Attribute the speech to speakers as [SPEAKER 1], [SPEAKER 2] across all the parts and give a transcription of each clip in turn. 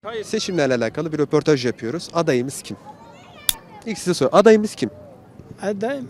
[SPEAKER 1] Seçimlerle alakalı bir röportaj yapıyoruz. Adayımız kim? İlk size sor. Adayımız kim?
[SPEAKER 2] Adayım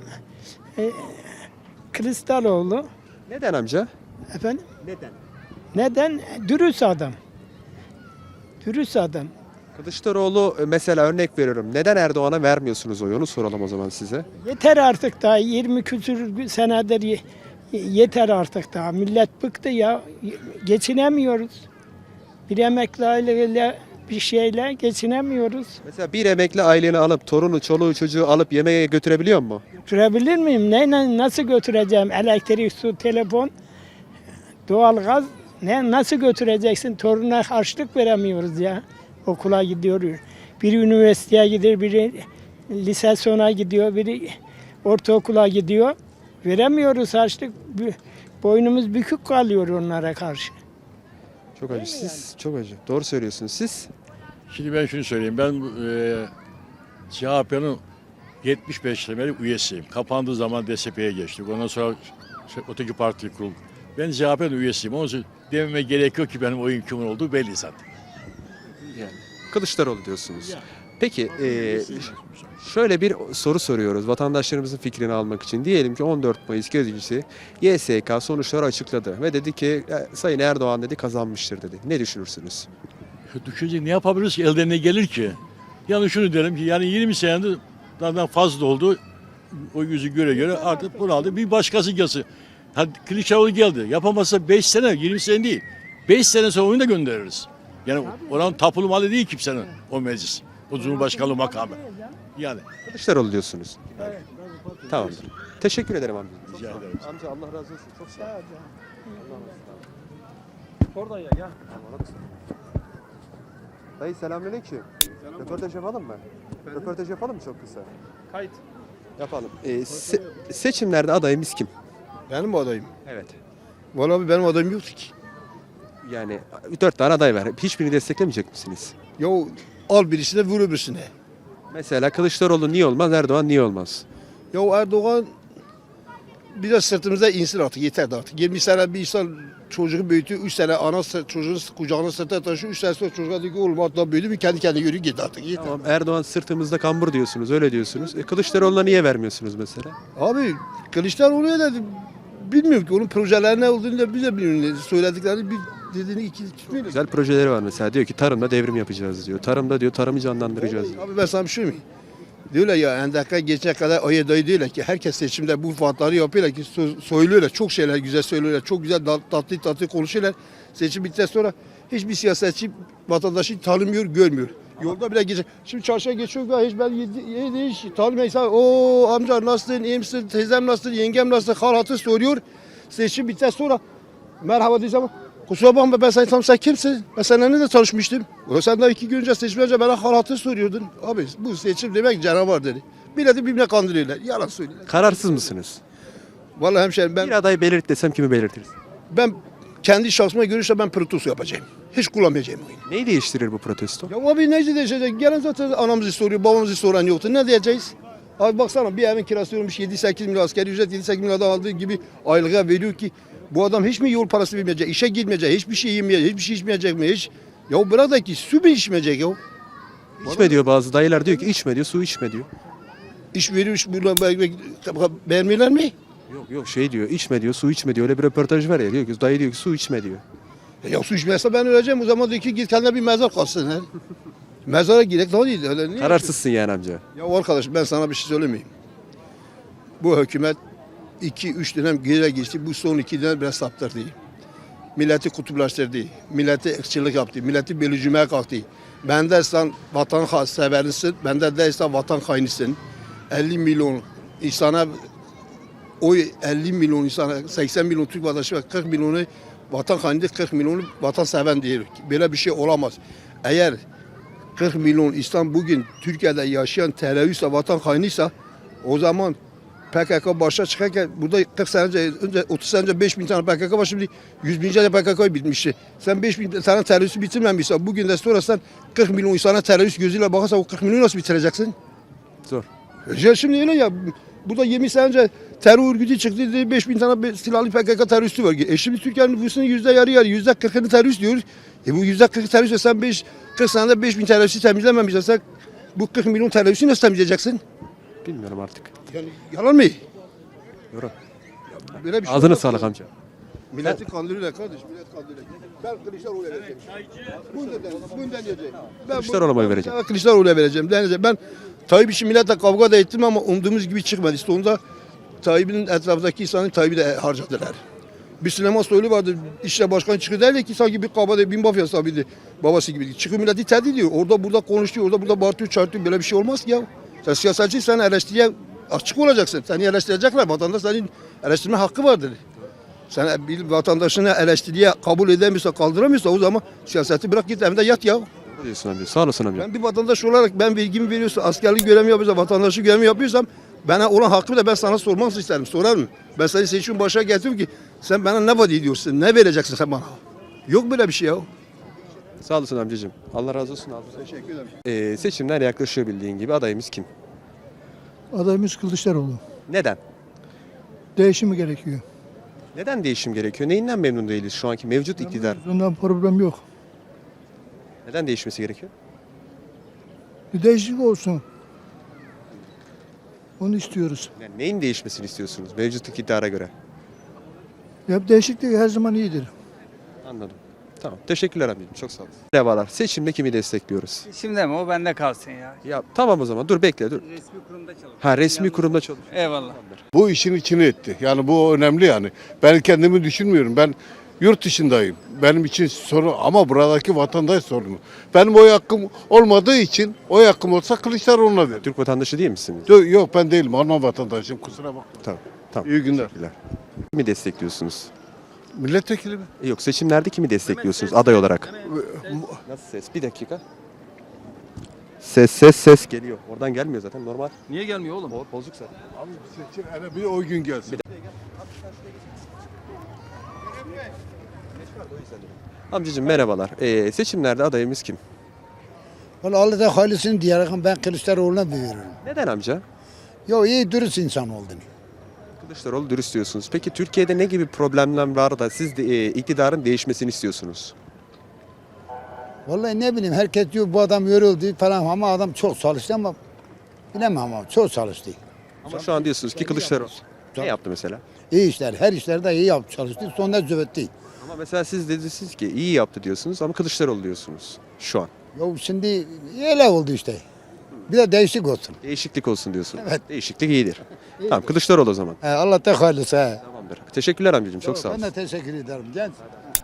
[SPEAKER 2] Kılıçdaroğlu.
[SPEAKER 1] Neden amca?
[SPEAKER 2] Efendim?
[SPEAKER 1] Neden?
[SPEAKER 2] Neden? Dürüst adam. Dürüst adam.
[SPEAKER 1] Kılıçdaroğlu mesela örnek veriyorum. Neden Erdoğan'a vermiyorsunuz oyu? Onu soralım o zaman size.
[SPEAKER 2] Yeter artık daha 20 küsür senedir yeter artık daha. Millet bıktı ya. Geçinemiyoruz. Bir emekli aileyle bir şeyle geçinemiyoruz.
[SPEAKER 1] Mesela bir emekli aileni alıp torunu, çoluğu, çocuğu alıp yemeğe götürebiliyor mu?
[SPEAKER 2] Götürebilir miyim? Neyle, nasıl götüreceğim? Elektrik, su, telefon, doğalgaz. Nasıl götüreceksin? Toruna harçlık veremiyoruz ya. Okula gidiyor. Biri üniversiteye gidiyor, biri lise sona gidiyor, biri ortaokula gidiyor. Veremiyoruz harçlık. Boynumuz bükük kalıyor onlara karşı.
[SPEAKER 1] Çok acı. Siz çok acı. Doğru söylüyorsunuz. Siz
[SPEAKER 3] Şimdi ben şunu söyleyeyim. Ben CHP'nin 75 senelik üyesiyim. Kapandığı zaman DSP'ye geçtik. Ondan sonra öteki parti kuruldu. Ben CHP'nin üyesiyim. Onun için dememe gerek yok ki benim oyun kimin olduğu belli zaten.
[SPEAKER 1] yani Kılıçdaroğlu diyorsunuz.
[SPEAKER 3] Yani.
[SPEAKER 1] Peki şöyle bir soru soruyoruz vatandaşlarımızın fikrini almak için. Diyelim ki 14 Mayıs gecesi YSK sonuçları açıkladı ve dedi ki Sayın Erdoğan dedi kazanmıştır dedi. Ne düşünürsünüz?
[SPEAKER 3] Düşünecek ne yapabiliriz ki? Elden ne gelir ki? Yani şunu derim ki yani 20 senedir daha fazla oldu. O yüzü göre göre artık bunu aldı. Bir başkası gelsin. Hadi Kılıçdaroğlu geldi. Yapamazsa 5 sene, 20 sene değil. 5 sene sonra onu da göndeririz. Yani oranın tapulu malı değil kimsenin o meclis. O Cumhurbaşkanlığı makamı. Yani.
[SPEAKER 1] Kılıçdaroğlu diyorsunuz. Tamamdır. Teşekkür ederim amca.
[SPEAKER 3] Rica ederim.
[SPEAKER 1] Amca Allah razı olsun. Çok sağ ol. Oradan ya. Dayı selamünaleyküm. Röportaj yapalım mı? Röportaj yapalım mı çok kısa?
[SPEAKER 2] Kayıt.
[SPEAKER 1] Yapalım. Seçimlerde adayımız kim?
[SPEAKER 4] Benim adayım.
[SPEAKER 1] Evet.
[SPEAKER 4] Vallahi benim adayım yoktu ki.
[SPEAKER 1] Yani 4 tane aday var. Hiçbirini desteklemeyecek misiniz?
[SPEAKER 4] Ya al birisine vur öbürsüne.
[SPEAKER 1] Mesela Kılıçdaroğlu niye olmaz, Erdoğan niye olmaz?
[SPEAKER 4] Ya Erdoğan biraz sırtımıza insin artık yeter de artık. 20 sene bir insan çocuğu büyütüyor. 3 sene çocuğunu kucağına sırtına taşıyor. 3 sene sonra çocuğa diyor ki oğlum hatta büyüdü mü kendi kendine yürü git artık yeter.
[SPEAKER 1] Tamam Erdoğan sırtımızda kambur diyorsunuz, öyle diyorsunuz. Kılıçdaroğlu'na niye vermiyorsunuz mesela?
[SPEAKER 4] Abi Kılıçdaroğlu'ya da bilmiyorum ki onun projeleri ne olduğunu da biz de bilmiyoruz. Söylediklerini bir dediğini iki tutmuyoruz.
[SPEAKER 1] Güzel projeleri var mesela. Diyor ki tarımda devrim yapacağız diyor. Tarımda diyor tarımı canlandıracağız diyor.
[SPEAKER 4] Abi ben sana bir şey mi? Diyorlar ya endaka geçene kadar ayı dayı diyorlar ki herkes seçimde bu vaatları yapıyorlar ki söylüyorlar. Çok şeyler güzel söylüyorlar. Çok güzel tatlı konuşuyorlar. Seçim bittikten sonra hiçbir siyasetçi vatandaşı tanımıyor, görmüyor. Yolda bile geçiyor. Şimdi çarşıya geçiyor hiç ben hiç tanımıyor. O amca nasılsın, iyi misin, teyzem nasıl, yengem nasıl, hal hatır soruyor. Seçim bittikten sonra merhaba diyeceğim. Kusura bakma ben sen kimsin? Ben seninle de tanışmıştım. Sen daha 2 gün önce seçim önce bana hal hatır soruyordun. Abi bu seçim demek canavar dedi. Milleti birbirine kandırıyorlar. Yalan söylüyorlar.
[SPEAKER 1] Kararsız mısınız?
[SPEAKER 4] Vallahi hemşerim
[SPEAKER 1] Bir aday belirt desem kimi belirtiriz?
[SPEAKER 4] ben kendi şahsıma görüşle ben protesto yapacağım. Hiç kullanmayacağım oyunu.
[SPEAKER 1] Neyi değiştirir bu protesto?
[SPEAKER 4] Ya abi ne değişecek? Gelen zaten anamızı soruyor, babamızı soran yoktu. Ne diyeceğiz? Abi baksana bir evin kirası olmuş 7-8 milyon askeri ücret 7-8 milyon adam aldığı gibi aylığa veriyor ki bu adam hiç mi yol parası vermeyecek, işe gitmeyecek, hiçbir şey yemeyecek, hiçbir şey içmeyecek mi hiç? Ya bırak da ki su mu içmeyecek ya?
[SPEAKER 1] İçme diyor bazı dayılar diyor ki içme diyor, su içme diyor.
[SPEAKER 4] İş veriyor, iş buradan vermiyorlar mı?
[SPEAKER 1] Yok şey diyor, içme diyor, su içme diyor. Öyle bir röportaj var ya diyor ki dayı diyor ki su içme diyor.
[SPEAKER 4] Ya su içmezse ben öleceğim o zaman diyor ki git kendine bir mezar kalsın. He. Mezara girek daha değil. Öyle,
[SPEAKER 1] Kararsızsın yani amca.
[SPEAKER 4] Ya arkadaş ben sana bir şey söylemeyeyim. Bu hükümet 2-3 dönem geri geçti. Bu son 2 dönem biraz saptırdı. Milleti kutuplaştırdı. Milleti ırkçılık yaptı. Milleti bölücümeye kalktı. Ben dersen vatan severisin. Ben de dersen vatan hainisin. 50 milyon insana oy 50 milyon insana 80 milyon Türk vatandaşı ve 40 milyonu vatan hainidir. 40 milyonu vatan seven diyor. Böyle bir şey olamaz. Eğer 40 milyon insan bugün Türkiye'de yaşayan teröristse, vatan hainiyse o zaman PKK başa çıkarken burada 40 sene önce 30 sene önce 5 bin tane PKK var şimdi 100 bince de PKK bitmişti. Sen 5 bin tane teröristi bitirmemişsen bugün de sonra sen 40 milyon insana terörist gözüyle bakarsan o 40 milyonu nasıl bitireceksin?
[SPEAKER 1] Zor.
[SPEAKER 4] Ya şimdi öyle ya Burada 20 sene önce terör örgütü çıktı dedi 5.000 tane silahlı PKK teröristi var. Şimdi Türkiye'nin nüfusunun yarı %40'ını terörist diyoruz. Bu %40 terörist sen 40 senede 5.000 teröristi temizlememişsin. Sen bu 40 milyon teröristi nasıl temizleyeceksin?
[SPEAKER 1] Bilmiyorum artık.
[SPEAKER 4] Yani yalan mı?
[SPEAKER 1] Doğru.
[SPEAKER 4] Böyle bir şey
[SPEAKER 1] Ağzına
[SPEAKER 4] olmaz.
[SPEAKER 1] sağlık amca.
[SPEAKER 4] Milleti kandırıyorlar kardeş, millet kandırıyorlar. Ben Kılıçdaroğlu'ya vereceğim. Bundan diyeceğim.
[SPEAKER 1] Kılıçdaroğlu'na oy vereceğim.
[SPEAKER 4] Ben Kılıçdaroğlu'ya vereceğim. Ben Tayyip için milletle kavga da ettim ama umduğumuz gibi çıkmadı. İşte onda Tayyip'in etrafındaki insanı Tayyip'i de harcadılar. Bir Süleyman Soylu vardı, işte başkan çıkıyor derler ki sanki bir kabade, bir mafya sahibi babası gibi. Çıkıyor milleti tehdit ediyor. Orada burada konuşuyor, orada burada bağırtıyor, çağırtıyor. Böyle bir şey olmaz ki ya. Sen siyasetçi, sen eleştiriye açık olacaksın. Seni eleştirecekler, vatandaş senin eleştirme hakkı vardır. Sen bir vatandaşını eleştiriye kabul edemiyorsa, kaldıramıyorsa o zaman siyaseti bırak git evinde yat ya.
[SPEAKER 1] Ne diyorsun amca? Sağ olasın amca.
[SPEAKER 4] Ben bir vatandaş olarak ben vergimi veriyorsam, askerlik görevimi yapıyorsam, vatandaşlık görevimi yapıyorsam bana olan hakkımı da ben sana sormak isterim. Sorarım. Ben seni seçim başa getirdim ki sen bana ne vaat ediyorsun? Ne vereceksin sen bana? Yok böyle bir şey ya.
[SPEAKER 1] Sağ olasın amcacığım. Allah razı olsun abi.
[SPEAKER 4] Teşekkür ederim.
[SPEAKER 1] Seçimler yaklaşıyor bildiğin gibi. Adayımız kim?
[SPEAKER 5] Adayımız Kılıçdaroğlu.
[SPEAKER 1] Neden?
[SPEAKER 5] Değişimi gerekiyor.
[SPEAKER 1] Neden değişim gerekiyor? Neyinden memnun değiliz şu anki mevcut iktidar?
[SPEAKER 5] Bundan problem yok.
[SPEAKER 1] Neden değişmesi gerekiyor?
[SPEAKER 5] Bir değişiklik olsun. Onu istiyoruz.
[SPEAKER 1] Yani neyin değişmesini istiyorsunuz mevcut iktidara göre?
[SPEAKER 5] Ya değişiklik her zaman iyidir.
[SPEAKER 1] Anladım. Tamam. Teşekkürler amcacığım. Çok sağ olun. Merhabalar. Seçimde kimi destekliyoruz?
[SPEAKER 6] Şimdi mi? O bende kalsın ya.
[SPEAKER 1] Ya tamam o zaman. Dur bekle dur.
[SPEAKER 6] Resmi kurumda çalışıyor.
[SPEAKER 1] Ha resmi kurumda çalışıyor.
[SPEAKER 6] Eyvallah.
[SPEAKER 7] Bu işin içine etti. Yani bu önemli yani. Ben kendimi düşünmüyorum. Ben yurt dışındayım. Benim için sorun ama buradaki vatandaş sorunu. Benim oy hakkım olmadığı için oy hakkım olsa Kılıçdaroğlu'na veririm.
[SPEAKER 1] Türk vatandaşı değil misiniz?
[SPEAKER 7] Yok ben değilim. Alman vatandaşıyım. Kusura bakma.
[SPEAKER 1] Tamam. Tamam.
[SPEAKER 7] İyi günler.
[SPEAKER 1] Teşekkürler. Kimi destekliyorsunuz?
[SPEAKER 7] Milletvekili mi?
[SPEAKER 1] Yok seçimlerde kimi destekliyorsunuz aday olarak? Nasıl ses? Bir dakika. Ses geliyor. Oradan gelmiyor zaten normal.
[SPEAKER 6] Niye gelmiyor oğlum?
[SPEAKER 1] O bozuk zaten.
[SPEAKER 7] Seçim hele bir o gün gelsin.
[SPEAKER 1] Amcacığım merhabalar. Seçimlerde adayımız kim?
[SPEAKER 8] Valla Allah'ta hayırlısını diyerek ben Kılıçdaroğlu'na veriyorum.
[SPEAKER 1] Neden amca?
[SPEAKER 8] Ya iyi dürüst insan olduğunu.
[SPEAKER 1] Kılıçdaroğlu dürüst diyorsunuz. Peki Türkiye'de ne gibi problemler var da siz de iktidarın değişmesini istiyorsunuz?
[SPEAKER 8] Vallahi ne bileyim herkes diyor bu adam yoruldu falan ama adam çok çalıştı ama bilemem ama çok çalıştı.
[SPEAKER 1] Ama şu an diyorsunuz ki Kılıçdaroğlu ne yaptı mesela?
[SPEAKER 8] İyi işler, her işlerde iyi yaptı, çalıştı. Sonra züvetti.
[SPEAKER 1] Ama mesela siz dediniz ki iyi yaptı diyorsunuz ama Kılıçdaroğlu diyorsunuz şu an.
[SPEAKER 8] Ya şimdi öyle oldu işte. Bir de değişik olsun.
[SPEAKER 1] Değişiklik olsun diyorsunuz.
[SPEAKER 8] Evet.
[SPEAKER 1] Değişiklik iyidir. Tamam Kılıçdaroğlu o zaman.
[SPEAKER 8] Allah'ta hayırlısı. He.
[SPEAKER 1] Tamamdır. Teşekkürler amcacığım. Çok sağ
[SPEAKER 8] Ben
[SPEAKER 1] olun.
[SPEAKER 8] de teşekkür ederim. Genç.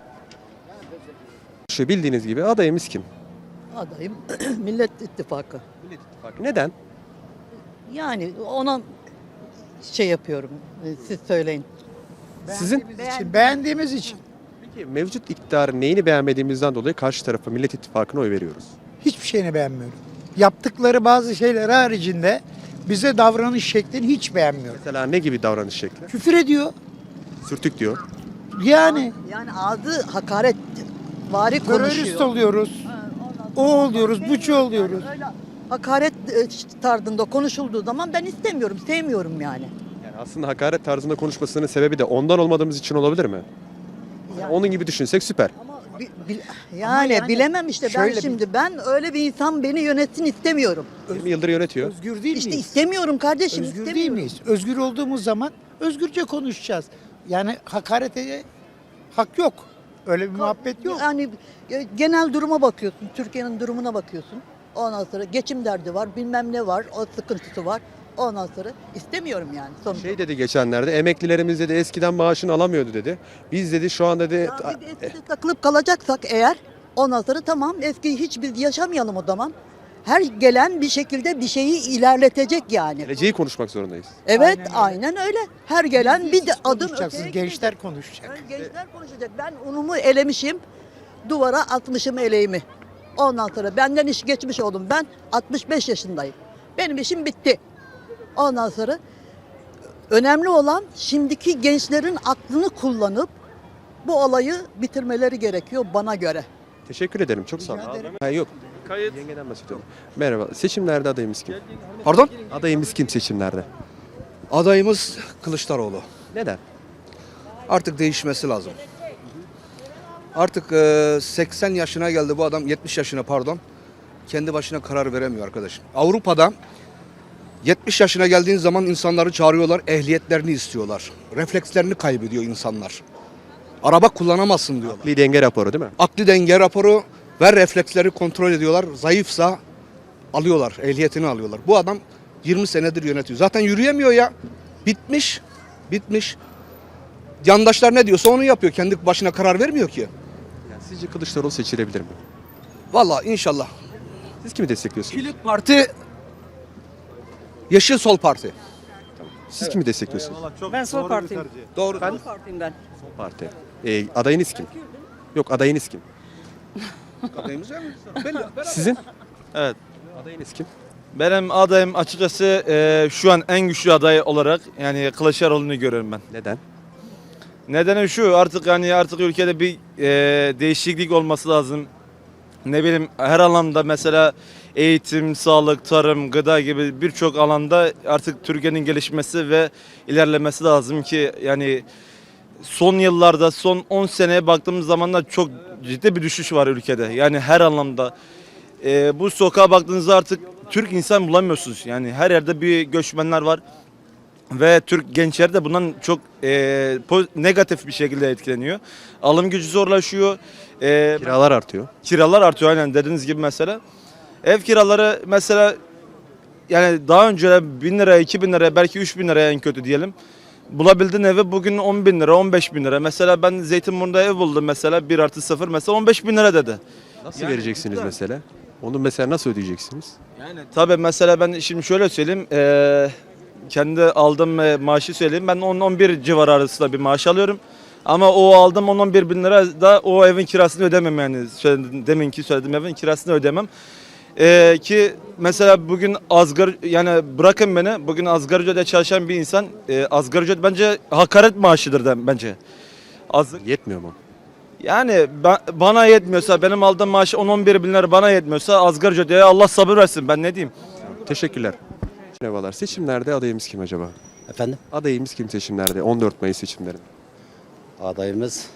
[SPEAKER 1] Şu bildiğiniz gibi adayımız kim?
[SPEAKER 9] Adayım Millet İttifakı.
[SPEAKER 1] Neden?
[SPEAKER 9] Yani ona şey yapıyorum. Siz söyleyin.
[SPEAKER 1] Sizin
[SPEAKER 8] Beğendiğimiz için.
[SPEAKER 1] peki mevcut iktidarın neyini beğenmediğimizden dolayı karşı tarafa Millet İttifakı'na oy veriyoruz.
[SPEAKER 10] Hiçbir şeyini beğenmiyorum. Yaptıkları bazı şeyler haricinde bize davranış şeklini hiç beğenmiyorum.
[SPEAKER 1] Mesela ne gibi davranış şekli?
[SPEAKER 10] Küfür ediyor.
[SPEAKER 1] Sürtük diyor.
[SPEAKER 10] Yani
[SPEAKER 9] Yani ağzı hakaret vari
[SPEAKER 10] terörist
[SPEAKER 9] konuşuyor.
[SPEAKER 10] oluyoruz. O oluyoruz, buçu oluyoruz.
[SPEAKER 9] Öyle hakaret tarzında konuşulduğu zaman ben istemiyorum, sevmiyorum yani.
[SPEAKER 1] Yani aslında hakaret tarzında konuşmasının sebebi de ondan olmadığımız için olabilir mi?
[SPEAKER 9] Yani-
[SPEAKER 1] Onun gibi düşünsek süper.
[SPEAKER 9] Ama yani bilemem işte ben
[SPEAKER 10] şöyle
[SPEAKER 9] şimdi ben öyle bir insan beni yönetsin istemiyorum.
[SPEAKER 1] 20 yıldır yönetiyor.
[SPEAKER 10] Özgür değil
[SPEAKER 9] İşte
[SPEAKER 10] miyiz?
[SPEAKER 9] istemiyorum kardeşim,
[SPEAKER 10] Özgür değil
[SPEAKER 9] istemiyorum.
[SPEAKER 10] miyiz? Özgür olduğumuz zaman özgürce konuşacağız. Yani hakarete hak yok. Öyle bir muhabbet yok.
[SPEAKER 9] Yani genel duruma bakıyorsun, Türkiye'nin durumuna bakıyorsun. Ondan sonra geçim derdi var, bilmem ne var, o sıkıntısı var. Ondan sonra istemiyorum yani sonuçta.
[SPEAKER 1] Şey dedi geçenlerde emeklilerimiz dedi eskiden maaşını alamıyordu dedi. Biz dedi şu an dedi
[SPEAKER 9] Ya bir de eskide takılıp kalacaksak eğer ondan sonra tamam eskiyi hiç biz yaşamayalım o zaman. Her gelen bir şekilde bir şeyi ilerletecek yani.
[SPEAKER 1] geleceği konuşmak zorundayız.
[SPEAKER 9] Evet
[SPEAKER 10] Aynen
[SPEAKER 9] aynen öyle. Her gelen bir de adım
[SPEAKER 10] Konuşacaksınız,
[SPEAKER 9] öteye
[SPEAKER 10] gençler
[SPEAKER 9] gidecek.
[SPEAKER 10] konuşacak.
[SPEAKER 9] Yani gençler konuşacak. Ben unumu elemişim. Duvara atmışım eleğimi. Ondan sonra benden iş geçmiş oldum. Ben 65 yaşındayım. Benim işim bitti. Ondan sonra önemli olan şimdiki gençlerin aklını kullanıp bu olayı bitirmeleri gerekiyor bana göre.
[SPEAKER 1] Teşekkür ederim. Çok sağ olun. Ha, yok. Yengeden bahsediyorum. Merhaba. Seçimlerde adayımız kim?
[SPEAKER 11] Pardon?
[SPEAKER 1] Adayımız kim seçimlerde?
[SPEAKER 11] Adayımız Kılıçdaroğlu.
[SPEAKER 1] Neden?
[SPEAKER 11] Artık değişmesi lazım. Artık 80 yaşına geldi bu adam, 70 yaşına pardon. Kendi başına karar veremiyor arkadaşım. Avrupa'da 70 yaşına geldiğin zaman insanları çağırıyorlar, ehliyetlerini istiyorlar. Reflekslerini kaybediyor insanlar. Araba kullanamazsın diyorlar.
[SPEAKER 1] Bir denge raporu değil mi?
[SPEAKER 11] Akli denge raporu ve refleksleri kontrol ediyorlar. Zayıfsa alıyorlar, ehliyetini alıyorlar. Bu adam 20 senedir yönetiyor. Zaten yürüyemiyor ya. Bitmiş, bitmiş. Yandaşlar ne diyorsa onu yapıyor. Kendi başına karar vermiyor ki.
[SPEAKER 1] Yani sizce Kılıçdaroğlu seçilebilir mi?
[SPEAKER 11] Vallahi inşallah.
[SPEAKER 1] Siz kimi destekliyorsunuz?
[SPEAKER 11] Kilit parti Yeşil Sol Parti.
[SPEAKER 1] Siz kimi destekliyorsunuz?
[SPEAKER 9] Ben sol partiyim.
[SPEAKER 11] Doğru.
[SPEAKER 9] Sol partiyim ben.
[SPEAKER 1] Sol Parti. Adayınız kim? Yok, adayınız kim?
[SPEAKER 11] Adayımız var mı?
[SPEAKER 1] Sizin?
[SPEAKER 6] Evet.
[SPEAKER 1] Adayınız kim?
[SPEAKER 6] Benim adayım açıkçası şu an en güçlü aday olarak yani Kılıçdaroğlu'nu görüyorum ben.
[SPEAKER 1] Neden?
[SPEAKER 6] Nedeni şu artık ülkede bir değişiklik olması lazım. Ne bileyim her alanda mesela eğitim, sağlık, tarım, gıda gibi birçok alanda artık Türkiye'nin gelişmesi ve ilerlemesi lazım ki yani son yıllarda son 10 seneye baktığımız zaman da çok ciddi bir düşüş var ülkede. Yani her anlamda. Bu sokağa baktığınızda artık Türk insan bulamıyorsunuz. Yani her yerde bir göçmenler var. Ve Türk gençleri de bundan çok negatif bir şekilde etkileniyor. Alım gücü zorlaşıyor.
[SPEAKER 1] Kiralar artıyor.
[SPEAKER 6] Kiralar artıyor aynen dediğiniz gibi mesela. Ev kiraları mesela yani daha önce 1000 liraya, 2000 liraya belki 3000 liraya en kötü diyelim. Bulabildiğin evi bugün 10 bin lira, 15 bin lira. Mesela ben Zeytinburnu'nda ev buldum mesela 1+0 mesela 15 bin lira dedi.
[SPEAKER 1] Nasıl vereceksiniz mesela? Onu mesela nasıl ödeyeceksiniz?
[SPEAKER 6] Yani tabii mesela ben şimdi şöyle söyleyeyim. Kendi aldığım maaşı söyleyeyim. Ben 10-11 civarı arasında bir maaş alıyorum. Ama o aldığım 10-11 bin lira da o evin kirasını ödemem yani. Deminki söylediğim evin kirasını ödemem. Ki mesela bugün yani bırakın beni bugün asgari ücretle çalışan bir insan asgari ücret bence hakaret maaşıdır bence.
[SPEAKER 1] Yetmiyor mu?
[SPEAKER 6] Yani bana yetmiyorsa benim aldığım maaş 10-11 bin lira bana yetmiyorsa asgari ücret Allah sabır versin ben ne diyeyim.
[SPEAKER 1] Teşekkürler. Merhabalar. Seçimlerde adayımız kim acaba?
[SPEAKER 12] Efendim?
[SPEAKER 1] Adayımız kim seçimlerde? 14 Mayıs seçimlerinde.
[SPEAKER 12] Adayımız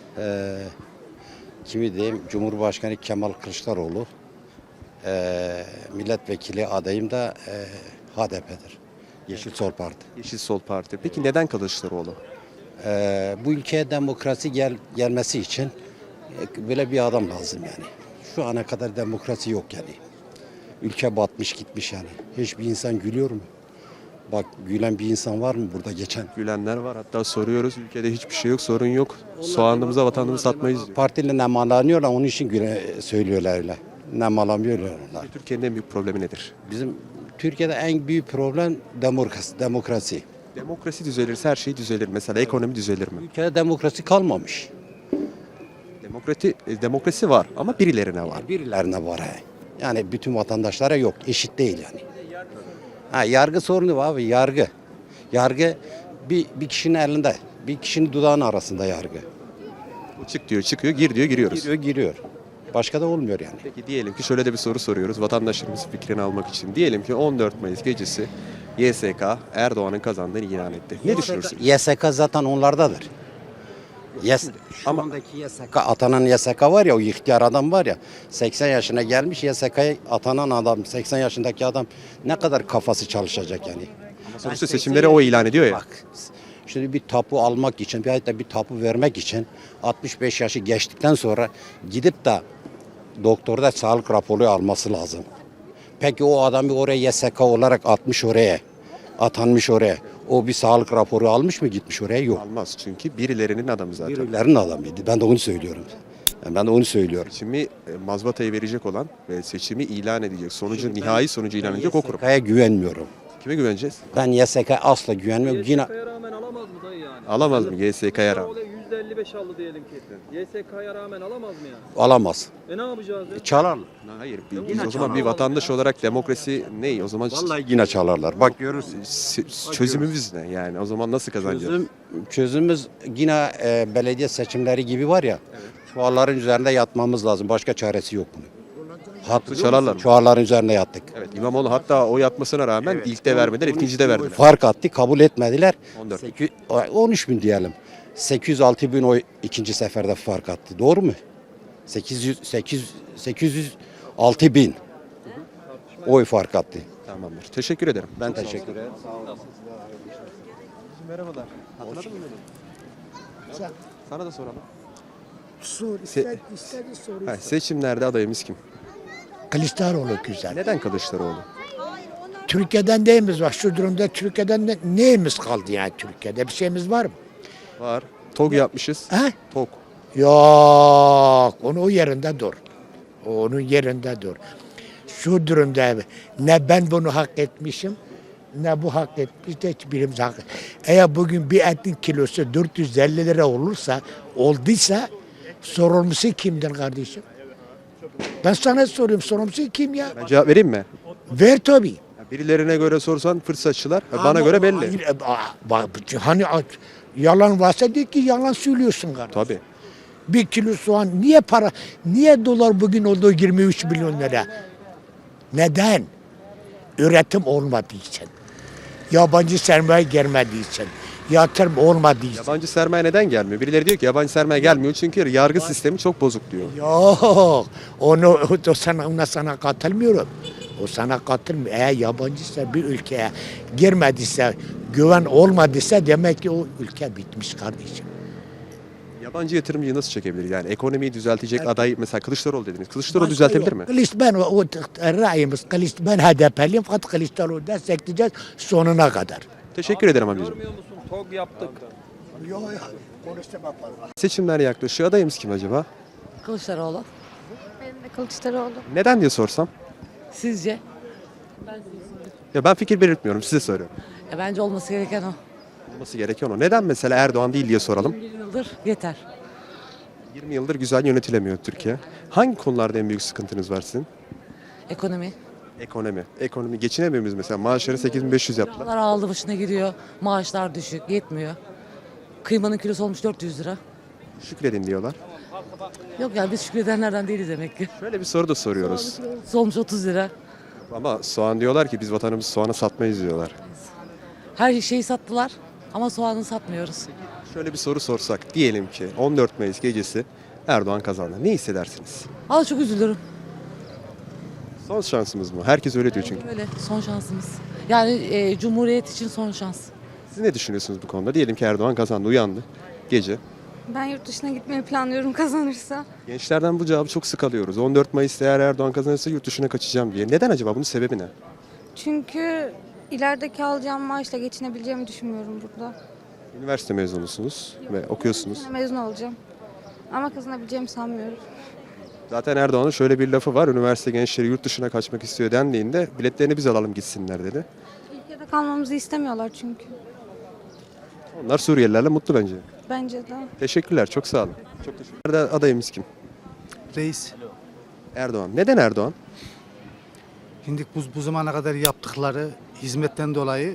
[SPEAKER 12] kimi diyeyim? Cumhurbaşkanı Kemal Kılıçdaroğlu. Milletvekili adayım da HDP'dir. Yeşil Sol Parti.
[SPEAKER 1] Yeşil Sol Parti. Peki neden Kılıçdaroğlu?
[SPEAKER 12] Bu ülkeye demokrasi gelmesi için böyle bir adam lazım yani. Şu ana kadar demokrasi yok yani. Ülke batmış gitmiş yani. Hiçbir insan gülüyor mu? Bak gülen bir insan var mı burada geçen?
[SPEAKER 1] Gülenler var. Hatta soruyoruz. Ülkede hiçbir şey yok, sorun yok. Soğanımıza, vatanımızı satmayız diyor.
[SPEAKER 12] Partiyle nemalanıyorlar onun için söylüyorlar öyle. Nemalanıyorlar onlar.
[SPEAKER 1] Türkiye'nin en büyük problemi nedir?
[SPEAKER 12] Bizim Türkiye'de en büyük problem demokrasi.
[SPEAKER 1] Demokrasi düzelirse her şey düzelir. Mesela ekonomi düzelir mi?
[SPEAKER 12] Ülkede demokrasi kalmamış.
[SPEAKER 1] Demokrasi var ama birilerine var.
[SPEAKER 12] Birilerine var he. Yani bütün vatandaşlara yok. Eşit değil yani. Yargı sorunu var abi yargı. Yargı bir kişinin elinde. Bir kişinin dudağının arasında yargı.
[SPEAKER 1] Çık diyor çıkıyor, gir diyor giriyoruz.
[SPEAKER 12] Giriyor. Başka da olmuyor yani.
[SPEAKER 1] Peki diyelim ki şöyle de bir soru soruyoruz vatandaşlarımızın fikrini almak için. Diyelim ki 14 Mayıs gecesi YSK Erdoğan'ın kazandığını ilan etti. Ne düşünürsünüz?
[SPEAKER 12] YSK zaten onlardadır. Şu andaki YSK, atanan YSK var ya o ihtiyar adam var ya 80 yaşına gelmiş YSK'ya atanan adam 80 yaşındaki adam ne kadar kafası çalışacak yani.
[SPEAKER 1] Sonuçta seçimleri o ilan ediyor ya.
[SPEAKER 12] Bak şimdi bir tapu almak için bir tapu vermek için 65 yaşı geçtikten sonra gidip de doktorda sağlık raporu alması lazım. Peki o adamı oraya YSK olarak atmış oraya, atanmış oraya. O bir sağlık raporu almış mı gitmiş oraya? Yok.
[SPEAKER 1] Almaz çünkü birilerinin adamı zaten.
[SPEAKER 12] Birilerinin adamıydı. Ben de onu söylüyorum. Ben de onu söylüyorum.
[SPEAKER 1] Seçimi mazbatayı verecek olan ve seçimi ilan edecek, nihai sonucu ilan edecek o kurum.
[SPEAKER 12] YSK'ya güvenmiyorum.
[SPEAKER 1] Kime güveneceğiz?
[SPEAKER 12] Ben YSK'ya asla güvenmiyorum. Yine
[SPEAKER 6] rağmen alamaz mı dayı yani?
[SPEAKER 1] Alamaz mı YSK'ya rağmen?
[SPEAKER 6] %55 aldı diyelim ki. YSK'ya rağmen alamaz mı yani?
[SPEAKER 12] alamaz.
[SPEAKER 6] Ne yapacağız ya?
[SPEAKER 12] Çalarlar.
[SPEAKER 1] Hayır. Biz o zaman bir vatandaş olarak demokrasi ne? O zaman
[SPEAKER 12] Vallahi yine çalarlar. Bak görürsün.
[SPEAKER 1] çözümümüz ne? Yani o zaman nasıl kazanacağız?
[SPEAKER 12] Çözümümüz yine belediye seçimleri gibi var ya. Çuvalların üzerinde yatmamız lazım. Başka çaresi yok bunun. Hat
[SPEAKER 1] çalarlar mı?
[SPEAKER 12] çuvalların üzerine yattık.
[SPEAKER 1] Evet, İmamoğlu hatta oy atmasına rağmen ilkte vermediler, ikincide verdiler.
[SPEAKER 12] Fark attı, kabul etmediler.
[SPEAKER 1] 14.
[SPEAKER 12] 13 bin diyelim. 806 bin oy ikinci seferde fark attı. Doğru mu? 806 bin oy fark attı.
[SPEAKER 1] Tamamdır. Teşekkür ederim.
[SPEAKER 12] Ben teşekkür ederim.
[SPEAKER 1] Merhabalar. Hatırladın mı beni? Sana da soralım.
[SPEAKER 2] Sor,
[SPEAKER 1] istedi
[SPEAKER 2] soru.
[SPEAKER 1] Seçimlerde adayımız kim?
[SPEAKER 10] Kılıçdaroğlu güzel.
[SPEAKER 1] Neden Kılıçdaroğlu?
[SPEAKER 10] Türkiye'den neyimiz var? Şu durumda Türkiye'den neyimiz kaldı yani Türkiye'de? Bir şeyimiz var mı?
[SPEAKER 1] Var. TOG yapmışız.
[SPEAKER 10] He?
[SPEAKER 1] TOG.
[SPEAKER 10] Yok. Onu o yerinde dur. Onun yerinde dur. Şu durumda ne ben bunu hak etmişim ne bu hak etmiş de hiçbirimiz hak. Eğer bugün bir etin kilosu 450 lira olduysa sorumlusu kimdir kardeşim? Ben sana soruyorum, sorumlusu kim ya?
[SPEAKER 1] Ben cevap vereyim mi?
[SPEAKER 10] Ver tabii.
[SPEAKER 1] Ya birilerine göre sorsan fırsatçılar. Bana göre belli.
[SPEAKER 10] Hayır, hani yalan varsa de ki yalan söylüyorsun kardeşim.
[SPEAKER 1] Tabii.
[SPEAKER 10] Bir kilo soğan niye dolar bugün oldu 23 milyon lira? Neden? Üretim olmadığı için. Yabancı sermaye gelmediği için. Yatırım olmadığı için.
[SPEAKER 1] Yabancı sermaye neden gelmiyor? Birileri diyor ki yabancı sermaye gelmiyor çünkü yargı sistemi çok bozuk diyor.
[SPEAKER 10] Yok. Ona sana katılmıyorum. O sana katılmıyor. Eğer yabancıysa bir ülkeye girmediyse, güven olmadıysa demek ki o ülke bitmiş kardeşim.
[SPEAKER 1] Yabancı yatırımcıyı nasıl çekebilir? Yani ekonomiyi düzeltecek aday mesela Kılıçdaroğlu dediniz. Kılıçdaroğlu düzeltebilir mi?
[SPEAKER 10] Ben ra'yimiz ben HDP'liyim fakat Kılıçdaroğlu destekleyeceğiz sonuna kadar.
[SPEAKER 1] Teşekkür ederim amcacığım.
[SPEAKER 11] TOG yaptık.
[SPEAKER 1] Seçimler yaklaşıyor. Adayımız kim acaba?
[SPEAKER 13] Kılıçdaroğlu.
[SPEAKER 14] Benim de Kılıçdaroğlu.
[SPEAKER 1] Neden diye sorsam?
[SPEAKER 13] Sizce?
[SPEAKER 1] Ya ben fikir belirtmiyorum. Size soruyorum.
[SPEAKER 13] Bence olması gereken o.
[SPEAKER 1] Olması gereken o. Neden mesela Erdoğan değil diye soralım.
[SPEAKER 13] 21 yıldır yeter.
[SPEAKER 1] 20 yıldır güzel yönetilemiyor Türkiye. Hangi konularda en büyük sıkıntınız var sizin?
[SPEAKER 13] Ekonomi.
[SPEAKER 1] Ekonomi. Ekonomi geçinemiyor muyuz mesela? Maaşları 8.500 yaptılar.
[SPEAKER 13] Kiralar aldı başına gidiyor. Maaşlar düşük. Yetmiyor. Kıymanın kilosu olmuş 400 lira.
[SPEAKER 1] Şükredin diyorlar.
[SPEAKER 13] Yok yani biz şükredenlerden değiliz demek ki.
[SPEAKER 1] Şöyle bir soru da soruyoruz.
[SPEAKER 13] Kilosu olmuş 30 lira.
[SPEAKER 1] Ama soğan diyorlar ki biz vatanımızı soğana satmayız diyorlar.
[SPEAKER 13] Her şeyi sattılar ama soğanı satmıyoruz.
[SPEAKER 1] Şöyle bir soru sorsak. Diyelim ki 14 Mayıs gecesi Erdoğan kazandı. Ne hissedersiniz?
[SPEAKER 13] Valla çok üzülürüm.
[SPEAKER 1] Son şansımız mı? Herkes öyle diyor çünkü.
[SPEAKER 13] Öyle son şansımız. Yani Cumhuriyet için son şans.
[SPEAKER 1] Siz ne düşünüyorsunuz bu konuda? Diyelim ki Erdoğan kazandı, uyandı gece.
[SPEAKER 14] Ben yurt dışına gitmeyi planlıyorum kazanırsa.
[SPEAKER 1] Gençlerden bu cevabı çok sık alıyoruz. 14 Mayıs'ta eğer Erdoğan kazanırsa yurt dışına kaçacağım diye. Neden acaba? Bunun sebebi ne?
[SPEAKER 14] Çünkü ilerideki alacağım maaşla geçinebileceğimi düşünmüyorum burada.
[SPEAKER 1] Üniversite mezunusunuz ve okuyorsunuz.
[SPEAKER 14] Bu sene mezun olacağım. Ama kazanabileceğimi sanmıyorum.
[SPEAKER 1] Zaten Erdoğan'ın şöyle bir lafı var. Üniversite gençleri yurt dışına kaçmak istiyor dendiğinde biletlerini biz alalım gitsinler dedi.
[SPEAKER 14] Ülkede kalmamızı istemiyorlar çünkü.
[SPEAKER 1] Onlar Suriyelilerle mutlu bence.
[SPEAKER 14] Bence de.
[SPEAKER 1] Teşekkürler. Çok sağ olun. Çok teşekkürler. Adayımız kim?
[SPEAKER 5] Reis.
[SPEAKER 1] Erdoğan. Neden Erdoğan?
[SPEAKER 5] Şimdi bu zamana kadar yaptıkları hizmetten dolayı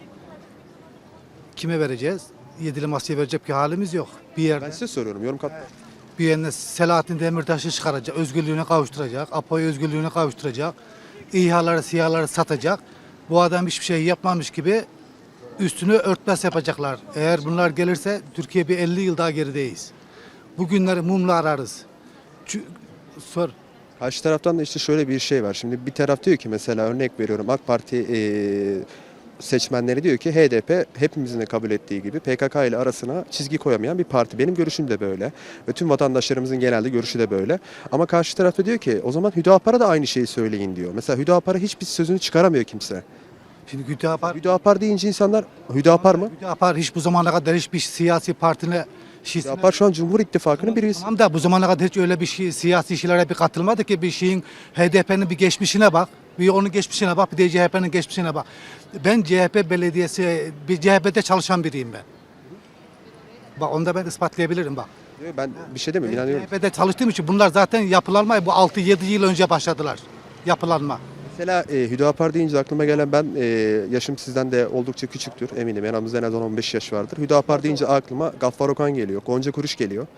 [SPEAKER 5] kime vereceğiz? Yedili masaya verecek bir halimiz yok. Bir
[SPEAKER 1] Ben
[SPEAKER 5] yerde
[SPEAKER 1] size soruyorum. Yorum katmayın.
[SPEAKER 5] bir yerine Selahattin Demirtaş'ı çıkaracak, özgürlüğüne kavuşturacak, Apo'yu özgürlüğüne kavuşturacak, İHA'ları, SİHA'ları satacak. Bu adam hiçbir şey yapmamış gibi üstünü örtbas yapacaklar. Eğer bunlar gelirse Türkiye bir 50 yıl daha gerideyiz. Bu günleri mumla ararız. Sor.
[SPEAKER 1] Karşı taraftan da işte şöyle bir şey var. Şimdi bir taraf diyor ki mesela örnek veriyorum AK Parti seçmenleri diyor ki HDP hepimizin de kabul ettiği gibi PKK ile arasına çizgi koyamayan bir parti. Benim görüşüm de böyle ve tüm vatandaşlarımızın genelde görüşü de böyle. Ama karşı tarafta diyor ki o zaman Hüdapar'a da aynı şeyi söyleyin diyor. Mesela Hüdapar'a hiçbir sözünü çıkaramıyor kimse.
[SPEAKER 5] Şimdi
[SPEAKER 1] Hüdapar deyince insanlar Hüdapar mı?
[SPEAKER 5] Hüdapar hiç bu zamana kadar hiçbir siyasi partine
[SPEAKER 1] Hüdapar şu an Cumhur İttifakı'nın bir üyesi.
[SPEAKER 5] Tamam da bu zamana kadar hiç öyle bir siyasi işlere bir katılmadı ki bir şeyin HDP'nin bir geçmişine bak. Bir onun geçmişine bak, bir de CHP'nin geçmişine bak. Ben CHP belediyesi, bir CHP'de çalışan biriyim ben. Bak onu da ben ispatlayabilirim bak.
[SPEAKER 1] Ben bir şey demiyorum, inanıyorum.
[SPEAKER 5] CHP'de çalıştığım için bunlar zaten yapılanma bu 6-7 yıl önce başladılar. Yapılanma.
[SPEAKER 1] Mesela Hüdapar deyince aklıma gelen ben yaşım sizden de oldukça küçüktür eminim. Yanımızda en az 10-15 yaş vardır. Hüdapar deyince aklıma Gaffar Okan geliyor, Gonca Kuruş geliyor.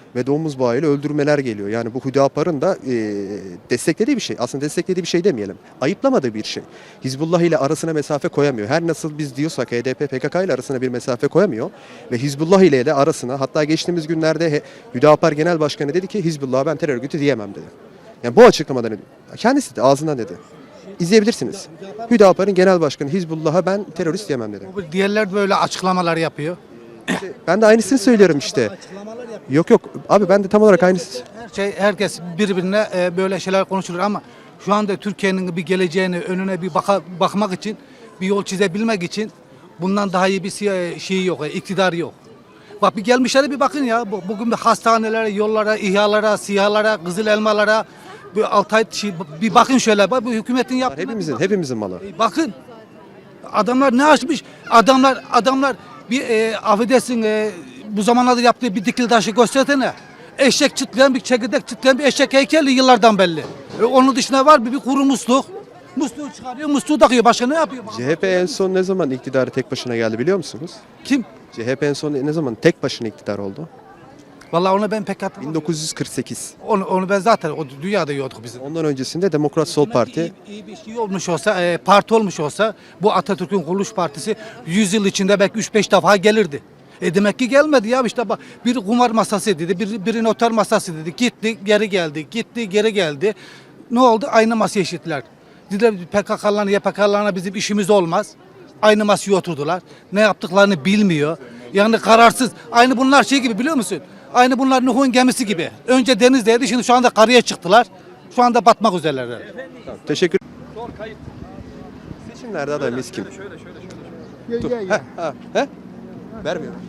[SPEAKER 1] ve domuz bağıyla öldürmeler geliyor. Yani bu Hüdapar'ın da desteklediği bir şey. Aslında desteklediği bir şey demeyelim. Ayıplamadığı bir şey. Hizbullah ile arasına mesafe koyamıyor. Her nasıl biz diyorsak HDP PKK ile arasına bir mesafe koyamıyor. Ve Hizbullah ile de arasına, hatta geçtiğimiz günlerde Hüdapar Genel Başkanı dedi ki Hizbullah'a ben terör örgütü diyemem dedi. Yani bu açıklamadan kendisi de ağzından dedi. İzleyebilirsiniz. Hüdapar'ın genel başkanı Hizbullah'a ben terörist diyemem dedi.
[SPEAKER 5] Diğerler böyle açıklamalar yapıyor.
[SPEAKER 1] Ben de aynısını söylüyorum işte. Yok yok abi, ben de tam olarak aynısı.
[SPEAKER 5] Herkes birbirine böyle şeyler konuşulur ama şu anda Türkiye'nin bir geleceğini önüne bir bakmak için, bir yol çizebilmek için bundan daha iyi bir şey yok, iktidar yok. Bak bir gelmişlere bir bakın ya. Bugün bir hastanelere, yollara, İHA'lara, SİHA'lara, Kızıl Elmalara, bir Altay bir bakın şöyle. Bak bu hükümetin yaptığı.
[SPEAKER 1] Hepimizin malı.
[SPEAKER 5] Bakın. Adamlar ne açmış? Adamlar bir affedersin bu zamanlarda yaptığı bir dikili taşı göstersene. Eşek çıtlayan bir çekirdek çıtlayan bir eşek heykeli yıllardan belli. Onun dışında var bir kuru musluk. Musluğu çıkarıyor, musluğu takıyor. Başka ne yapıyor?
[SPEAKER 1] CHP en son ne zaman iktidara tek başına geldi biliyor musunuz?
[SPEAKER 5] Kim?
[SPEAKER 1] CHP en son ne zaman tek başına iktidar oldu?
[SPEAKER 5] Vallahi onu ben pek hatırlamıyorum.
[SPEAKER 1] 1948.
[SPEAKER 5] Onu ben zaten o dünyada yiyorduk biz.
[SPEAKER 1] Ondan öncesinde Demokrat Sol Parti.
[SPEAKER 5] İyi bir şey olmuş olsa, parti olmuş olsa bu Atatürk'ün kuruluş partisi 100 yıl içinde belki 3-5 defa gelirdi. Demek ki gelmedi ya işte bak bir kumar masası dedi, bir noter masası dedi. Gitti, geri geldi. Gitti, geri geldi. Ne oldu? Aynı masaya eşittiler. Dediler PKK'larına, YPK'larına bizim işimiz olmaz. Aynı masaya oturdular. Ne yaptıklarını bilmiyor. Yani kararsız. Aynı bunlar şey gibi biliyor musun? Aynı bunlar Nuh'un gemisi gibi. Önce denizdeydi, şimdi şu anda karaya çıktılar. Şu anda batmak üzereler.
[SPEAKER 1] Tamam, teşekkür. Seçimlerde adayımız kim? Dur. He? Vermiyorum.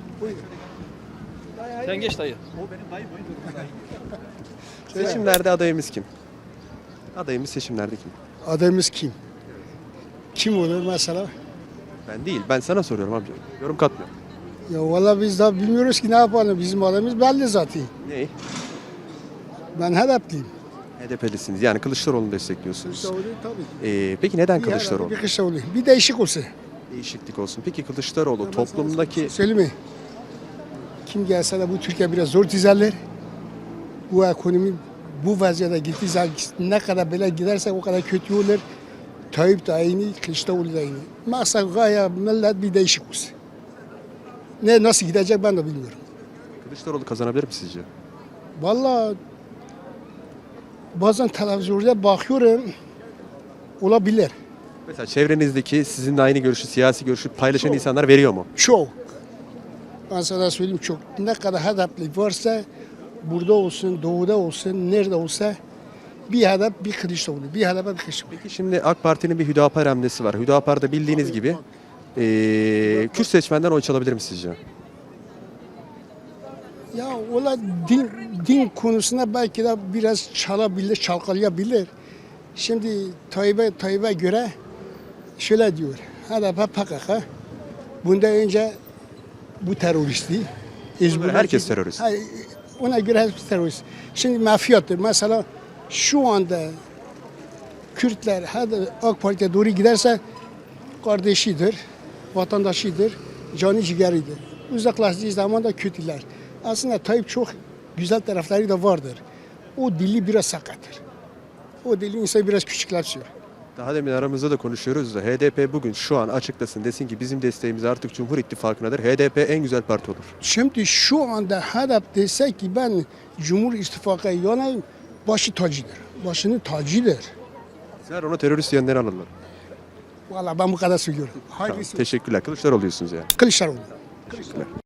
[SPEAKER 3] Sen geç dayı.
[SPEAKER 1] Seçimlerde adayımız kim? Adayımız seçimlerde kim?
[SPEAKER 8] Adayımız kim? Kim olur mesela?
[SPEAKER 1] Ben değil. Ben sana soruyorum amca. Yorum katmıyorum.
[SPEAKER 8] Ya valla biz daha bilmiyoruz ki ne yapalım. Bizim adayımız belli zaten.
[SPEAKER 1] Ne?
[SPEAKER 8] Ben HDP'liyim.
[SPEAKER 1] HDP'lisiniz. Yani Kılıçdaroğlu'nu destekliyorsunuz.
[SPEAKER 8] Kılıçdaroğlu tabii ki.
[SPEAKER 1] Peki neden
[SPEAKER 8] Bir
[SPEAKER 1] Kılıçdaroğlu?
[SPEAKER 8] Bir Kılıçdaroğlu. Bir değişik olsun.
[SPEAKER 1] Değişiklik olsun. Peki Kılıçdaroğlu toplumdaki...
[SPEAKER 8] Söyleyeyim mi? Kim gelse de bu Türkiye biraz zor düzelir. Bu ekonomi bu vaziyete gittiği zaman ne kadar böyle giderse o kadar kötü olur. Tayyip de aynı, Kılıçdaroğlu da aynı. Maksat gaye millet bir değişik olsun. Nasıl gidecek ben de bilmiyorum.
[SPEAKER 1] Kılıçdaroğlu kazanabilir mi sizce?
[SPEAKER 8] Vallahi bazen televizyonda bakıyorum olabilir.
[SPEAKER 1] Mesela çevrenizdeki sizinle aynı görüşü, siyasi görüşü paylaşan insanlar veriyor mu?
[SPEAKER 8] Çok. Ben sana söyleyeyim çok. Ne kadar hedefli varsa burada olsun, doğuda olsun, nerede olsa bir hedef bir Kılıçdaroğlu, bir hedef bir Kılıçdaroğlu.
[SPEAKER 1] Peki şimdi AK Parti'nin bir Hüdapar hamlesi var. Hüdapar'da bildiğiniz gibi Kürt seçmenden oy çalabilir mi sizce?
[SPEAKER 8] Ya ola din konusunda belki de biraz çalabilir, çalkalayabilir. Şimdi Tayyip'e göre şöyle diyor. HDP PKK bundan önce bu teröristti.
[SPEAKER 1] Herkes terörist.
[SPEAKER 8] Ona göre herkes terörist. Şimdi mafyattır. Mesela şu anda Kürtler AK Parti'ye doğru giderse kardeşidir, vatandaşıdır, canı ciğeridir. Uzaklaştığı zaman da kötüler. Aslında Tayyip çok güzel tarafları da vardır. O dili biraz sakattır. O dili insanı biraz küçükleşiyor.
[SPEAKER 1] Daha demin aramızda da konuşuyoruz da HDP bugün şu an açıklasın, desin ki bizim desteğimiz artık Cumhur İttifakı'nadır. HDP en güzel parti olur.
[SPEAKER 8] Şimdi şu anda HDP dese ki ben Cumhur İttifakı'na yanayım, başı tacıdır. Başının tacıdır.
[SPEAKER 1] Sizler ona terörist diyenleri alırlar.
[SPEAKER 8] Vallahi ben bu kadar söylüyorum.
[SPEAKER 1] Tamam, teşekkürler. Kılıçdaroğlu diyorsunuz yani.
[SPEAKER 8] Kılıçdaroğlu.